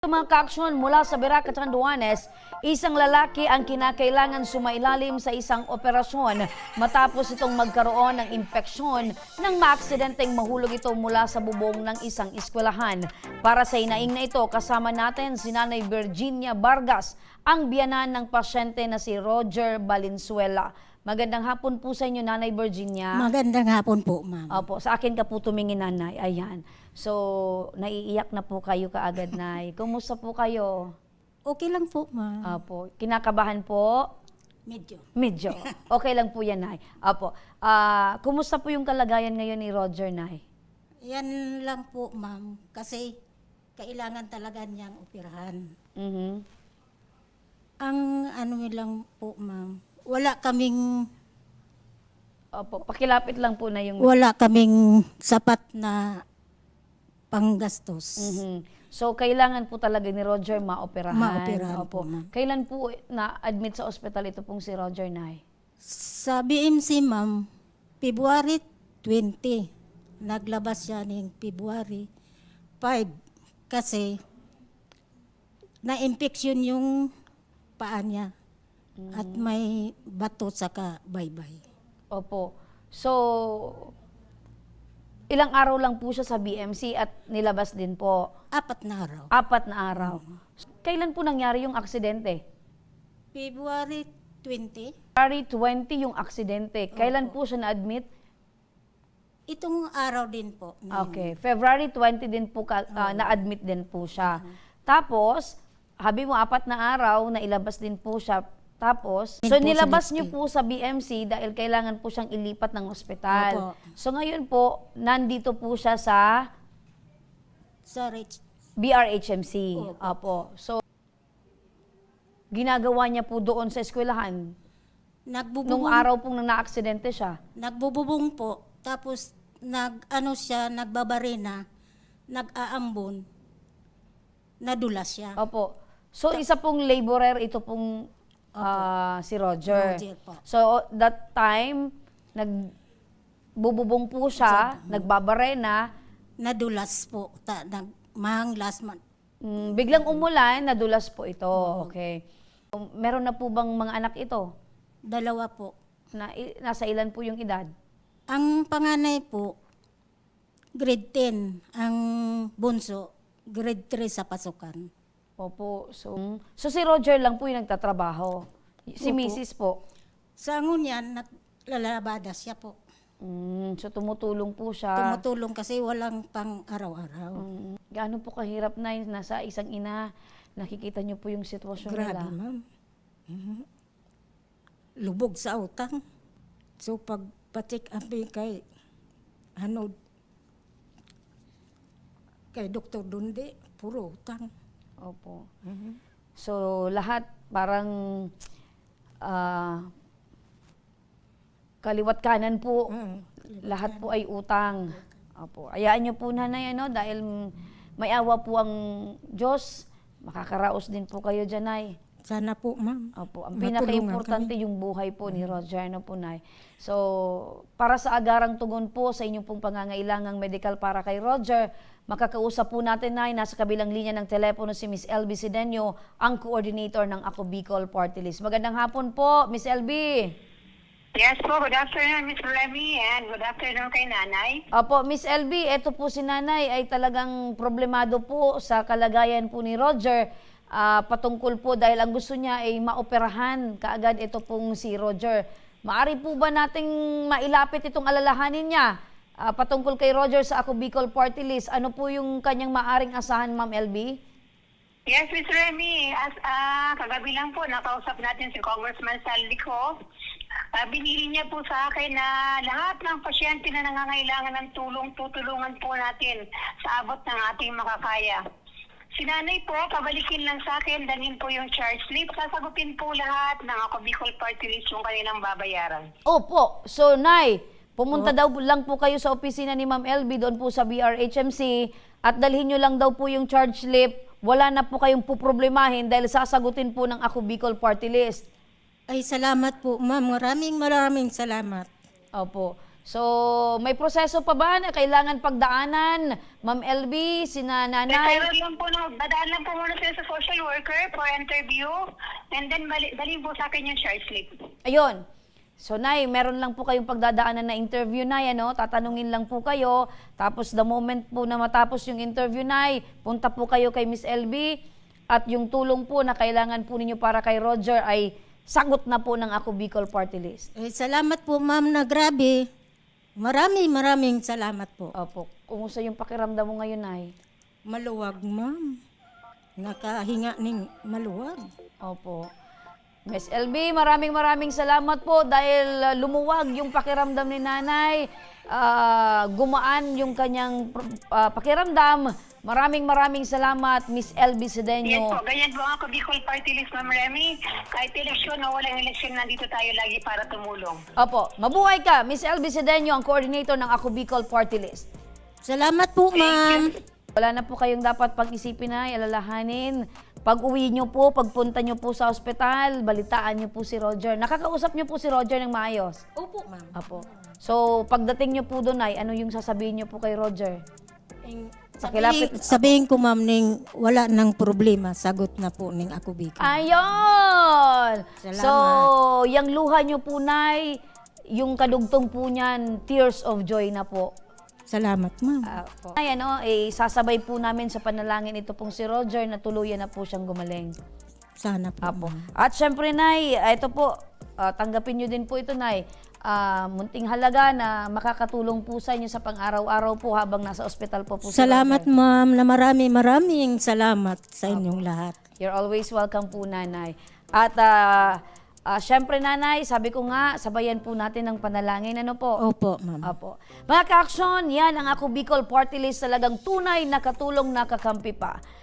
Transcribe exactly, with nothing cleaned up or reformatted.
Mga kaaksyon mula sa Verac at Catanduanes, isang lalaki ang kinakailangan sumailalim sa isang operasyon matapos itong magkaroon ng impeksyon nang maaksidenteng mahulog ito mula sa bubong ng isang eskwelahan. Para sa inaing na ito, kasama natin si Nanay Virginia Vargas, ang biyanan ng pasyente na si Roger Valenzuela. Magandang hapon po sa inyo, Nanay Virginia. Magandang hapon po, ma'am. Opo, sa akin ka po tumingin, Nanay. Ayan. So, naiiyak na po kayo kaagad, Nay. Kumusta po kayo? Okay lang po, ma'am. Opo. Kinakabahan po? Medyo. Medyo. Okay lang po yan, Nay. Opo. Ah, kumusta po yung kalagayan ngayon ni Roger, Nay? Yan lang po, ma'am. Kasi kailangan talaga niyang operahan. Mhm. Ang ano lang po, ma'am. Wala kaming Opo. Pakilapit lang po na yung... wala kaming sapat na panggastos. Mhm. So, kailangan po talaga ni Roger maoperahan. Maoperahan Opo. po, ma'am. Kailan po na-admit sa ospital ito pong si Roger, Nay? Sa B M C, ma'am, February twentieth. Naglabas siya ng February fifth kasi na-infection yung paa niya at may bato saka baybay. Opo. So, ilang araw lang po siya sa B M C at nilabas din po. Apat na araw. Apat na araw. Kailan po nangyari yung aksidente? February twentieth. February twentieth yung aksidente. Kailan po siya na-admit? Itong araw din po. na- Okay. February twentieth din po ka, ah, na-admit din po siya. Tapos, habi mo apat na araw na ilabas din po siya. Tapos, Din so po sa nilabas next niyo day. po sa B M C dahil kailangan po siyang ilipat ng ospital. Opo. So ngayon po, nandito po siya sa Sa Rich. B R H M C. Opo. Opo. So, ginagawa niya po doon sa eskwelahan. Nung Nagbububong, araw pong nang naaksidente siya. nagbububong po. Tapos, nag, ano siya, nagbabarena, nag-aambon, nadulas siya. Opo. So, isa pong laborer, ito pong ah, si Roger. Roger po. So, that time, nagbububong po siya, nagbabarena, Nadulas po. Ta, nag, mahang last month. mm, biglang umulan, nadulas po ito. Okay. Um, Meron na po bang mga anak ito? Dalawa po. Na, i- nasa ilan po yung edad? Ang panganay po, grade ten. Ang bunso, grade three sa pasukan. Opo. So, so si Roger lang po yung nagtatrabaho. Si Opo. Missus po. Sa ngunyan, naglalabada siya po. Mm, so tumutulong po siya. Tumutulong kasi walang pang araw-araw. Mm, gaano po kahirap na yun, nasa isang ina, nakikita niyo po yung sitwasyon Grabe, nila. ma'am. Mhm. Lubog sa utang. So, pag patik abi kay, ano, kay Doktor Dundi, puro utang. Opo. Mhm. So lahat parang ah, kaliwat kanan po, Mm. lahat po ay utang. Opo. Ayaan niyo po, Nanay, ano, dahil may awa po ang Diyos, makakaraos din po kayo dyan, Nay. Sana po, ma'am. Opo, ang Matulungan pinaka-importante yung buhay po ni Roger, na po, Nay. So, para sa agarang tugon po sa inyong pong pangangailangang medical para kay Roger, makakausap po natin, Nay, nasa kabilang linya ng telepono si Miss L B Sidenio, ang coordinator ng Ako Bicol Party List. Magandang hapon po, Miss L B. Yes po, good afternoon, Miss Remy, and good afternoon kay Nanay. Opo, Miss L B, eto po si Nanay ay talagang problemado po sa kalagayan po ni Roger. Ah, patungkol po dahil ang gusto niya ay maoperahan kaagad ito pong si Roger. Maari po ba nating mailapit itong alalahanin niya ah, patungkol kay Roger sa Ako Bicol Party List? Ano po yung kanyang maaring asahan, Ma'am L B? Yes, Miss Remy, as ah, kagabi lang po, nakausap natin si Congressman Saldico. Uh, binili niya po sa akin na lahat ng pasyente na nangangailangan ng tulong, tutulungan po natin sa abot ng ating makakaya. Si Nanay po, pabalikin lang sa akin, danin po yung charge slip, sasagutin po lahat ng Ako Bicol Party List yung kanilang babayaran. Opo. So, Nay, pumunta daw lang po kayo sa opisina ni Ma'am L B doon po sa B R H M C at dalhin nyo lang daw po yung charge slip. Wala na po kayong puproblemahin dahil sasagutin po ng Ako Bicol Party List. Ay, salamat po, ma'am. Maraming maraming salamat. Opo. So, may proseso pa ba na kailangan pagdaanan? Ma'am L B, sina nanay? Pero lang po, no, dadaan lang po muna sila sa social worker for interview and then bali, dalhin po sa akin yung short slip. Ayun. So, Nay, meron lang po kayong pagdadaanan na interview, Nay, ano? Tatanungin lang po kayo. Tapos, the moment po na matapos yung interview, Nay, punta po kayo kay Miss L B. At yung tulong po na kailangan po ninyo para kay Roger ay sagot na po ng Ako Bicol Party List. Eh, salamat po ma'am na grabe. Maraming maraming salamat po. Opo. Kumusta yung pakiramdam mo ngayon, Nay? Maluwag ma'am. Nakahinga ng maluwag. Opo. Miss L B, maraming maraming salamat po dahil uh, lumuwag yung pakiramdam ni Nanay. Uh, gumaan yung kanyang uh, pakiramdam. Maraming maraming salamat, Miss L B Yes Sedeño. po, ganyan po ako Bicol Party List, Ma'am Remy. Kahit eleksyon o walang eleksyon, nandito tayo lagi para tumulong. Opo. Mabuhay ka, Miss L B Sedeño, ang coordinator ng Ako Bicol Party List. Salamat po ma'am. Wala na po kayong dapat pag-isipin na, alalahanin. Pag uwi nyo po, pagpunta nyo po sa ospital, balitaan nyo po si Roger. Nakakausap nyo po si Roger ng maayos. Opo ma'am. Apo. So, pagdating nyo po doon ay, ano yung sasabihin nyo po kay Roger? Eh, Pakilapit. Sabihin, sabihin ko ma'am ning wala nang problema, sagot na po ning Ako Bicol. Ayun! Salamat. So, yung luha nyo po, Nay, yung kadugtong po niyan, tears of joy na po. Salamat ma'am. Apo. Ay, ano, eh, sasabay po namin sa panalangin ito pong si Roger na tuluyan na po siyang gumaling. Sana po. Apo. ma'am. At syempre, Nay, ito po, ah, tanggapin nyo din po ito, Nay. Ah, munting halaga na makakatulong po sa inyo sa pang-araw-araw po habang nasa ospital po po si Salamat Roger. ma'am na marami maraming salamat sa inyong lahat. You're always welcome po, Nanay. At ah, ah, syempre, Nanay, sabi ko nga, sabayan po natin ng panalangin. Ano po? Opo ma'am. Apo. Mga ka-aksyon, yan ang Ako Bicol Party List, talagang tunay na katulong na kakampi pa.